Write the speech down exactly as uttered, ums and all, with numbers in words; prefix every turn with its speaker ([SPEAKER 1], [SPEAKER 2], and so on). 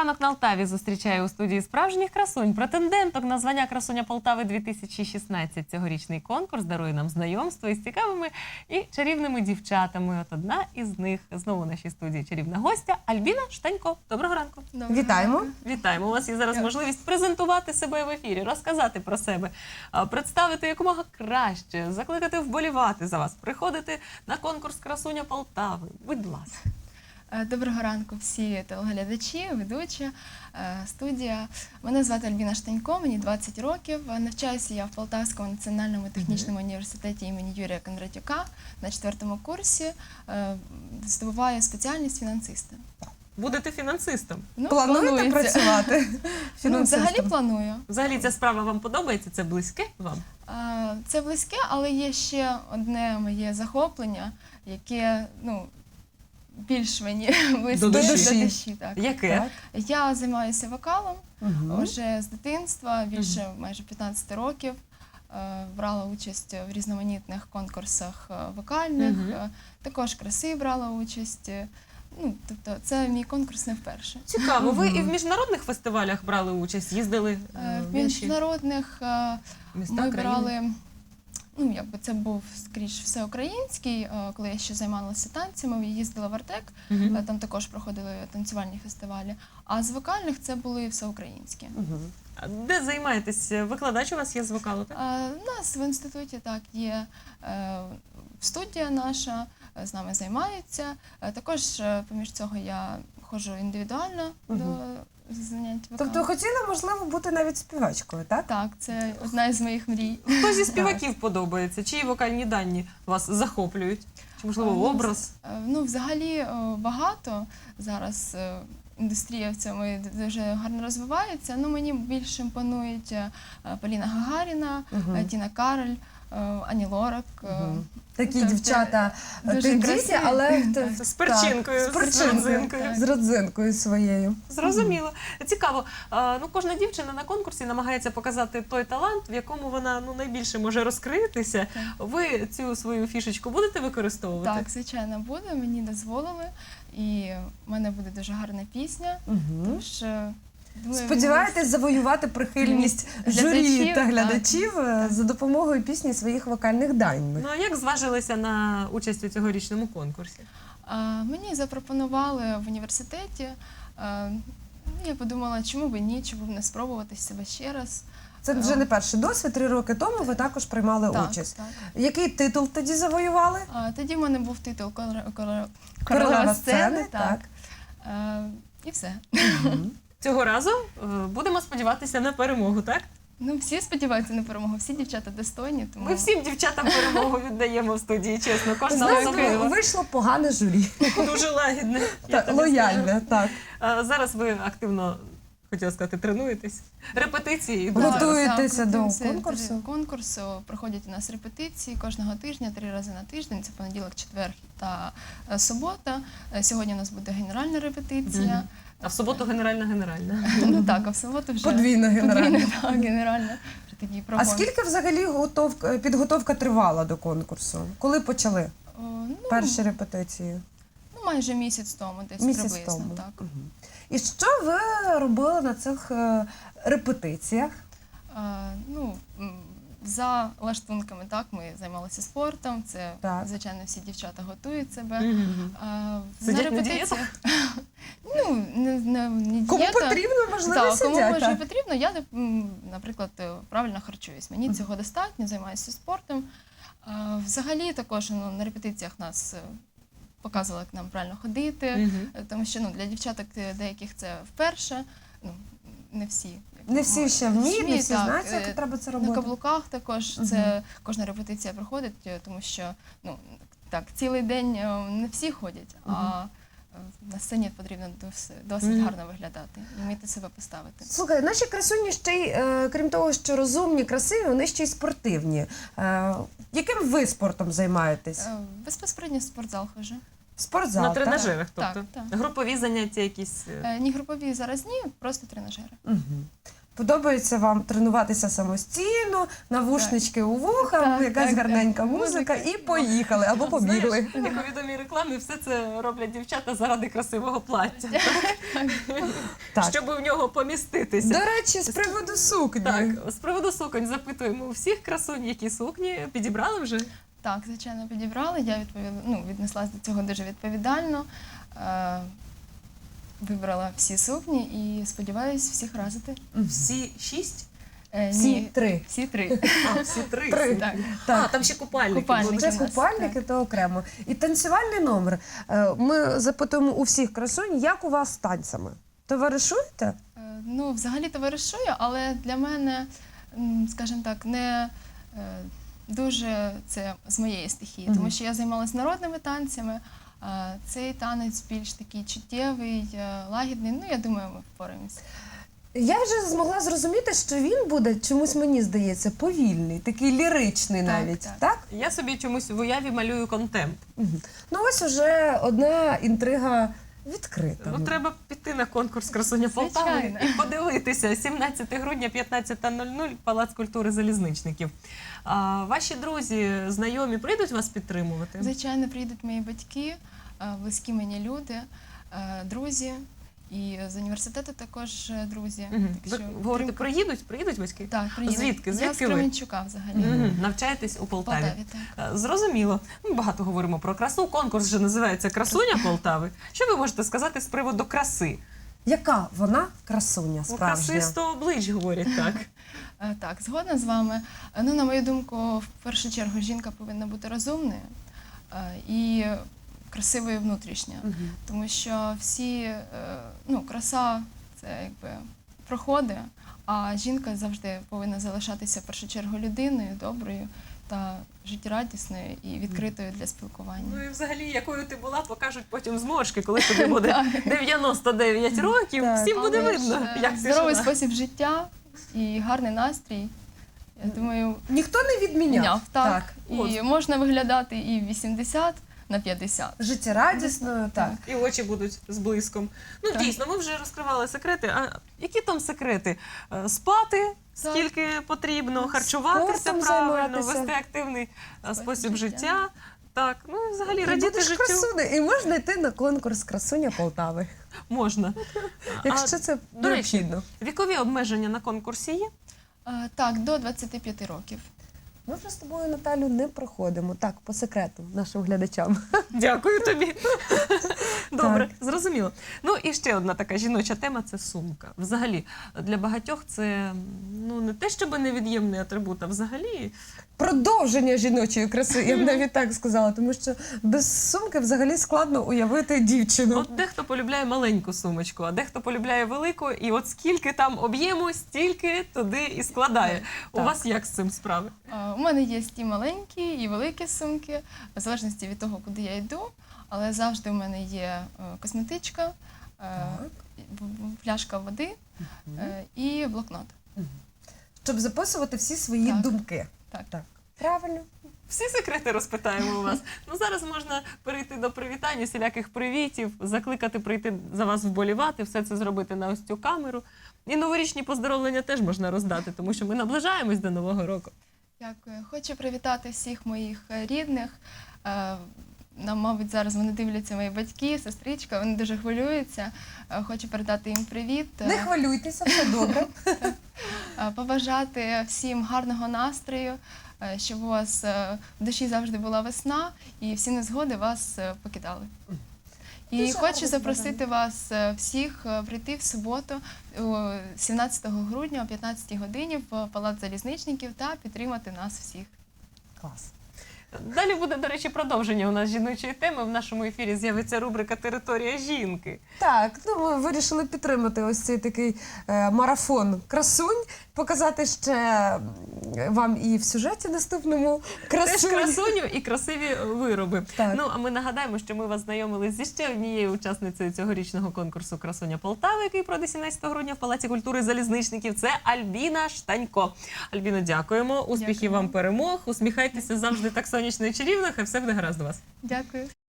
[SPEAKER 1] Ранок на Алтаві зустрічає у студії справжніх красунь. Претенденток на звання «Красуня Полтави дві тисячі шістнадцять». Цьогорічний конкурс дарує нам знайомство із цікавими і чарівними дівчатами. От одна із них знову в нашій студії чарівна гостя Альбіна Штанько. Доброго ранку.
[SPEAKER 2] Доброго Вітаємо.
[SPEAKER 1] Ранку. Вітаємо. У вас є зараз можливість презентувати себе в ефірі, розказати про себе, представити якомога краще, закликати вболівати за вас, приходити на конкурс «Красуня Полтави». Будь ласка.
[SPEAKER 2] Доброго ранку всі телеглядачі, ведучі, студія. Мене звати Альбіна Штанько, мені двадцять років. Навчаюся я в Полтавському національному технічному університеті імені Юрія Кондратюка на четвертому курсі. Здобуваю спеціальність фінансиста.
[SPEAKER 1] Будете фінансистом?
[SPEAKER 2] Ну,
[SPEAKER 3] Плануєте
[SPEAKER 2] планується.
[SPEAKER 3] працювати
[SPEAKER 2] Ну, взагалі планую.
[SPEAKER 1] Взагалі ця справа вам подобається? Це близьке вам?
[SPEAKER 2] Це близьке, але є ще одне моє захоплення, яке, ну, більш мені близьке
[SPEAKER 1] До
[SPEAKER 2] до
[SPEAKER 1] душі.
[SPEAKER 2] душі. Так.
[SPEAKER 1] Яке?
[SPEAKER 3] Так.
[SPEAKER 2] Я займаюся вокалом
[SPEAKER 3] Угу.
[SPEAKER 2] вже з дитинства, більше майже п'ятнадцять років. Е, Брала участь в різноманітних конкурсах е, вокальних,
[SPEAKER 1] Мгм.
[SPEAKER 2] е, також краси брала участь. Е, Ну, тобто це мій конкурс не вперше.
[SPEAKER 1] Цікаво. Ви і в міжнародних фестивалях брали участь, їздили
[SPEAKER 2] Е, В
[SPEAKER 1] в інші
[SPEAKER 2] міжнародних е,
[SPEAKER 1] міста,
[SPEAKER 2] ми
[SPEAKER 1] країни?
[SPEAKER 2] брали, ну, якби це був скоріш всеукраїнський, е, коли я ще займалася танцями, їздила в Артек,
[SPEAKER 1] Мгм.
[SPEAKER 2] е, там також проходили танцювальні фестивалі. А з вокальних це були всеукраїнські.
[SPEAKER 3] Угу.
[SPEAKER 1] А де займаєтесь? Викладач у вас є з вокалу, так?
[SPEAKER 2] Е, У нас в інституті так є е, студія наша, е, з нами займаються. Е, Також е, поміж цього я ходжу індивідуально
[SPEAKER 3] Мгм.
[SPEAKER 2] до занять вокалом.
[SPEAKER 3] Тобто хотіла, можливо, бути навіть співачкою, так?
[SPEAKER 2] Так, це одна із моїх мрій.
[SPEAKER 1] Хто зі співаків подобається? Чиї вокальні дані вас захоплюють? Чи, можливо,
[SPEAKER 2] Ну,
[SPEAKER 1] образ?
[SPEAKER 2] Е, Ну, взагалі е, багато зараз е, індустрія в цьому дуже гарно розвивається. Ну, мені більше імпонують е, Поліна Гагаріна,
[SPEAKER 3] Мгм.
[SPEAKER 2] е, Тіна Кароль, е, Ані Лорак. е,
[SPEAKER 3] Мгм. Такі
[SPEAKER 2] Тобто,
[SPEAKER 3] дівчата
[SPEAKER 2] дуже
[SPEAKER 3] тендітні,
[SPEAKER 2] красиві.
[SPEAKER 3] але
[SPEAKER 2] Так.
[SPEAKER 3] т-
[SPEAKER 1] З перчинкою,
[SPEAKER 3] так,
[SPEAKER 1] з
[SPEAKER 3] з перчинкою,
[SPEAKER 1] родзинкою.
[SPEAKER 3] з родзинкою своєю.
[SPEAKER 1] Зрозуміло. Цікаво. А, ну, кожна дівчина на конкурсі намагається показати той талант, в якому вона ну, найбільше може розкритися.
[SPEAKER 2] Так.
[SPEAKER 1] Ви цю свою фішечку будете використовувати?
[SPEAKER 2] Так, звичайно, буде, мені дозволили. І в мене буде дуже гарна пісня.
[SPEAKER 3] Угу.
[SPEAKER 2] Тож, е, думаю,
[SPEAKER 3] Сподіваєтесь завоювати прихильність журі
[SPEAKER 2] Глядачів,
[SPEAKER 3] та
[SPEAKER 2] так.
[SPEAKER 3] глядачів е, за допомогою пісні своїх вокальних дань.
[SPEAKER 1] Ну, а як зважилися на участь у цьогорічному конкурсі?
[SPEAKER 2] А, Мені запропонували в університеті. А, ну, Я подумала, чому б і ні, чому б не спробувати себе ще раз.
[SPEAKER 3] Це вже не перший досвід. Три роки тому ви також приймали
[SPEAKER 2] Так,
[SPEAKER 3] участь.
[SPEAKER 2] так.
[SPEAKER 3] Який титул тоді завоювали?
[SPEAKER 2] А, Тоді в мене був титул «Королева- королева
[SPEAKER 3] Королева
[SPEAKER 2] сцени».
[SPEAKER 3] сцени, так.
[SPEAKER 2] А, І все.
[SPEAKER 3] Мгм.
[SPEAKER 1] Цього разу е, будемо сподіватися на перемогу, так?
[SPEAKER 2] Ну, всі сподіваються на перемогу, всі дівчата достойні. Тому...
[SPEAKER 1] Ми всім дівчатам перемогу віддаємо в студії, чесно. Кожна
[SPEAKER 3] Знаєте,
[SPEAKER 1] особливо.
[SPEAKER 3] вийшло погане журі.
[SPEAKER 1] Дуже лагідне. Я
[SPEAKER 3] Так,
[SPEAKER 1] тобі скажу.
[SPEAKER 3] лояльне, так.
[SPEAKER 1] А, зараз ви активно, хотіла сказати, тренуєтесь. Репетиції йдуть.
[SPEAKER 3] Так.
[SPEAKER 1] зараз.
[SPEAKER 3] Готуєтеся
[SPEAKER 2] Так,
[SPEAKER 3] до
[SPEAKER 2] готуємося
[SPEAKER 3] конкурсу?
[SPEAKER 2] до конкурсу. Проходять у нас репетиції кожного тижня, три рази на тиждень. Це понеділок, четвер та е, субота. Е, Сьогодні у нас буде генеральна репетиція.
[SPEAKER 1] Мгм. А в суботу генеральна-генеральна.
[SPEAKER 2] Ну так, а в суботу вже
[SPEAKER 3] Подвійна генеральна.
[SPEAKER 2] подвійна, так, генеральна. Вже такий
[SPEAKER 3] А
[SPEAKER 2] прогон.
[SPEAKER 3] скільки взагалі готовка, підготовка тривала до конкурсу? Коли почали
[SPEAKER 2] О, ну,
[SPEAKER 3] перші репетиції?
[SPEAKER 2] ну, майже місяць тому, десь
[SPEAKER 3] Місяць
[SPEAKER 2] приблизно.
[SPEAKER 3] тому.
[SPEAKER 2] Так.
[SPEAKER 3] Мгм. І що ви робили на цих е, репетиціях?
[SPEAKER 2] Е, ну, м, за лаштунками, так, ми займалися спортом. Це,
[SPEAKER 3] Так.
[SPEAKER 2] звичайно, всі дівчата готують себе.
[SPEAKER 1] Мгм.
[SPEAKER 2] А,
[SPEAKER 1] Сидять на
[SPEAKER 2] репетиціях- Ну, не, не, не
[SPEAKER 3] Кому
[SPEAKER 2] дієта.
[SPEAKER 3] потрібно, можливо,
[SPEAKER 2] Так, кому
[SPEAKER 3] сидять.
[SPEAKER 2] може
[SPEAKER 3] так?
[SPEAKER 2] потрібно, я, м, наприклад, е, правильно харчуюсь. Мені цього достатньо, займаюся спортом. А, Взагалі також ну, на репетиціях нас е, показували, як нам правильно ходити,
[SPEAKER 1] Мгм.
[SPEAKER 2] е, тому що ну, для дівчаток е, деяких це вперше, ну, не всі. як
[SPEAKER 3] Не всі
[SPEAKER 2] можуть.
[SPEAKER 3] ще вміють, не всі
[SPEAKER 2] так,
[SPEAKER 3] знають,
[SPEAKER 2] е,
[SPEAKER 3] як треба це
[SPEAKER 2] На
[SPEAKER 3] робити.
[SPEAKER 2] каблуках також
[SPEAKER 3] Мгм.
[SPEAKER 2] це кожна репетиція проходить, е, тому що ну, так, цілий день е, не всі ходять, а е, на сцені потрібно дос- досить
[SPEAKER 1] Мгм.
[SPEAKER 2] гарно виглядати і вміти себе поставити.
[SPEAKER 3] Слухай, наші красуні ще й, е, крім того, що розумні, красиві, вони ще й спортивні. Е, яким ви спортом займаєтесь?
[SPEAKER 2] Е, Безпосередньо в спортзал хожу.
[SPEAKER 3] Спортзал,
[SPEAKER 1] На
[SPEAKER 3] так?
[SPEAKER 1] тренажерах,
[SPEAKER 2] Так,
[SPEAKER 1] тобто?
[SPEAKER 2] так.
[SPEAKER 1] Групові заняття якісь? е,
[SPEAKER 2] Е, Ні групові зараз ні, просто тренажери.
[SPEAKER 3] Мгм. Подобається вам тренуватися самостійно, навушнички у вуха,
[SPEAKER 2] Так,
[SPEAKER 3] якась
[SPEAKER 2] так,
[SPEAKER 3] гарненька
[SPEAKER 2] так.
[SPEAKER 3] музика,
[SPEAKER 2] Музика.
[SPEAKER 3] і поїхали або побігли.
[SPEAKER 1] Знаєш, як у відомій рекламі, все це роблять дівчата заради красивого плаття,
[SPEAKER 3] Так.
[SPEAKER 1] щоб в нього поміститися.
[SPEAKER 3] До речі, з приводу сукні.
[SPEAKER 1] Так, з приводу суконь запитуємо у всіх красунь, які сукні підібрали вже.
[SPEAKER 2] Так, звичайно, підібрали. Я відповіла, ну, віднеслась до цього дуже відповідально. Е, Вибрала всі сукні і сподіваюся всіх разити.
[SPEAKER 1] Всі шість?
[SPEAKER 2] Е,
[SPEAKER 3] Всі
[SPEAKER 2] ні,
[SPEAKER 3] три.
[SPEAKER 2] всі три.
[SPEAKER 1] А, всі три.
[SPEAKER 3] Три.
[SPEAKER 2] Так.
[SPEAKER 3] Так.
[SPEAKER 1] А, там ще купальники.
[SPEAKER 2] Купальники.
[SPEAKER 1] будуть.
[SPEAKER 3] Це
[SPEAKER 2] у нас,
[SPEAKER 3] купальники, то окремо. І танцювальний номер. Е, Ми запитуємо у всіх красунь, як у вас з танцями? Товаришуєте?
[SPEAKER 2] Е, Ну, взагалі товаришую, але для мене, м, скажімо так, не е, дуже це з моєї стихії,
[SPEAKER 3] Мгм.
[SPEAKER 2] тому що я займалася народними танцями. а Цей танець більш такий чуттєвий, е, лагідний. Ну, я думаю, ми впораємося.
[SPEAKER 3] Я вже змогла зрозуміти, що він буде, чомусь мені здається, повільний, такий ліричний
[SPEAKER 2] Так,
[SPEAKER 3] навіть.
[SPEAKER 2] так.
[SPEAKER 3] Так?
[SPEAKER 1] Я собі чомусь в уяві малюю контемп.
[SPEAKER 3] Мгм. Ну ось уже одна інтрига відкрита.
[SPEAKER 1] Ну, треба піти на конкурс «Красуня Полтави»
[SPEAKER 2] Звичайно.
[SPEAKER 1] і подивитися. сімнадцятого грудня, п'ятнадцята нуль нуль, Палац культури Залізничників. А, ваші друзі, знайомі прийдуть вас підтримувати?
[SPEAKER 2] Звичайно, приїдуть мої батьки, е, близькі мені люди, е, друзі. І з університету також е, друзі.
[SPEAKER 1] Мгм.
[SPEAKER 2] Так
[SPEAKER 1] Ви
[SPEAKER 2] що
[SPEAKER 1] говорите,
[SPEAKER 2] підтримка-
[SPEAKER 1] приїдуть? Приїдуть батьки?
[SPEAKER 2] Так, приїдуть.
[SPEAKER 1] Звідки?
[SPEAKER 2] Я
[SPEAKER 1] Звідки
[SPEAKER 2] з
[SPEAKER 1] ви?
[SPEAKER 2] Кременчука взагалі.
[SPEAKER 1] Мгм. Навчаєтесь у
[SPEAKER 2] В
[SPEAKER 1] Полтаві?
[SPEAKER 2] Полтаві, так.
[SPEAKER 1] Е, Зрозуміло. Ми багато говоримо про красу. Конкурс же називається «Красуня Полтави». Що ви можете сказати з приводу краси?
[SPEAKER 3] Яка вона красуня
[SPEAKER 1] Ну,
[SPEAKER 3] справжня?
[SPEAKER 1] краси сто облич, говорять так.
[SPEAKER 2] Е, Так, згодна з вами. Е, Ну, на мою думку, в першу чергу жінка повинна бути розумною е, і красивою внутрішньо.
[SPEAKER 3] Мгм.
[SPEAKER 2] Тому що всі, е, ну, краса це якби проходи, а жінка завжди повинна залишатися в першу чергу людиною, доброю та життєрадісною і відкритою для спілкування.
[SPEAKER 1] Ну і взагалі, якою ти була, покажуть потім зморшки, коли тобі буде дев'яносто дев'ять років.
[SPEAKER 3] Так.
[SPEAKER 1] Всім буде
[SPEAKER 2] Але ж,
[SPEAKER 1] видно,
[SPEAKER 2] е,
[SPEAKER 1] як ти
[SPEAKER 2] здоровий
[SPEAKER 1] жила.
[SPEAKER 2] спосіб життя і гарний настрій. Я думаю,
[SPEAKER 3] Ніхто не відміняв.
[SPEAKER 2] міняв, так. І
[SPEAKER 1] От.
[SPEAKER 2] можна виглядати і в вісімдесят на п'ятдесят.
[SPEAKER 3] Життєрадісною, так.
[SPEAKER 1] І очі будуть з блиском. Ну,
[SPEAKER 2] Так.
[SPEAKER 1] дійсно, ми вже розкривали секрети. А які там секрети? Е, Спати скільки потрібно, харчуватися
[SPEAKER 3] Спортом
[SPEAKER 1] правильно,
[SPEAKER 3] займатися.
[SPEAKER 1] вести активний е, спосіб
[SPEAKER 2] життя.
[SPEAKER 1] життя. Так, ну і взагалі
[SPEAKER 3] І
[SPEAKER 1] радіти
[SPEAKER 3] будеш
[SPEAKER 1] життю
[SPEAKER 3] красунею. І можна йти на конкурс «Красуня Полтави»,
[SPEAKER 1] можна.
[SPEAKER 3] якщо це
[SPEAKER 1] до речі,
[SPEAKER 3] необхідно.
[SPEAKER 1] Вікові обмеження на конкурсі є?
[SPEAKER 2] Е, Так, до двадцяти п'яти років.
[SPEAKER 3] Ми вже з тобою, Наталю, не проходимо. Так, по секрету нашим глядачам.
[SPEAKER 1] Дякую тобі. Добре, зрозуміло. Ну і ще одна така жіноча тема це сумка. Взагалі, для багатьох це ну не те, щоб невід'ємний атрибут, а взагалі
[SPEAKER 3] Продовження жіночої краси, я б навіть так сказала, тому що без сумки взагалі складно уявити дівчину.
[SPEAKER 1] от дехто полюбляє маленьку сумочку, а дехто полюбляє велику, і от скільки там об'єму, стільки туди і складає. У
[SPEAKER 3] Так.
[SPEAKER 1] вас як з цим справи?
[SPEAKER 2] Е, У мене є і маленькі, і великі сумки, в залежності від того, куди я йду. Але завжди в мене є е, косметичка, е,
[SPEAKER 3] Так.
[SPEAKER 2] в- в- пляшка води е, і блокнот.
[SPEAKER 3] Щоб записувати всі свої
[SPEAKER 2] Так.
[SPEAKER 3] думки.
[SPEAKER 2] Так.
[SPEAKER 3] Так. Правильно.
[SPEAKER 1] Всі секрети розпитаємо у вас. Ну зараз можна перейти до привітань, усіляких привітів, закликати прийти за вас вболівати, все це зробити на ось цю камеру. І новорічні поздоровлення теж можна роздати, тому що ми наближаємось до Нового року.
[SPEAKER 2] Дякую. Хочу привітати всіх моїх е, рідних. Е, Нам, мабуть, зараз вони дивляться мої батьки, сестричка, вони дуже хвилюються. Е, Хочу передати їм привіт. е,
[SPEAKER 3] Не хвилюйтеся, все добре.
[SPEAKER 2] е, Побажати всім гарного настрою, е, щоб у вас е, в душі завжди була весна і всі незгоди вас е, покидали. І
[SPEAKER 3] Дуже
[SPEAKER 2] хочу
[SPEAKER 3] гарне
[SPEAKER 2] запросити вас е, всіх е, прийти в суботу, о, сімнадцятого грудня о п'ятнадцятій годині в Палац Залізничників та підтримати нас всіх.
[SPEAKER 3] Клас.
[SPEAKER 1] Далі буде, до речі, продовження у нас жіночої теми. В нашому ефірі з'явиться рубрика «Територія жінки».
[SPEAKER 3] Так, ну ми вирішили підтримати ось цей такий е, марафон красунь, показати ще м, вам і в сюжеті наступному
[SPEAKER 1] Теж
[SPEAKER 3] красунь.
[SPEAKER 1] красуню і красиві вироби.
[SPEAKER 3] Так.
[SPEAKER 1] Ну, а ми нагадаємо, що ми вас знайомили зі ще однією учасницею цьогорічного конкурсу «Красуня Полтави», який пройде сімнадцятого грудня в Палаці культури Залізничників. Це Альбіна Штанько. Альбіно, дякуємо. Успіхів
[SPEAKER 2] Дякую.
[SPEAKER 1] вам, перемог. Усміхайтеся завжди так сонячно і чарівно. Хай все буде гаразд у вас.
[SPEAKER 2] Дякую.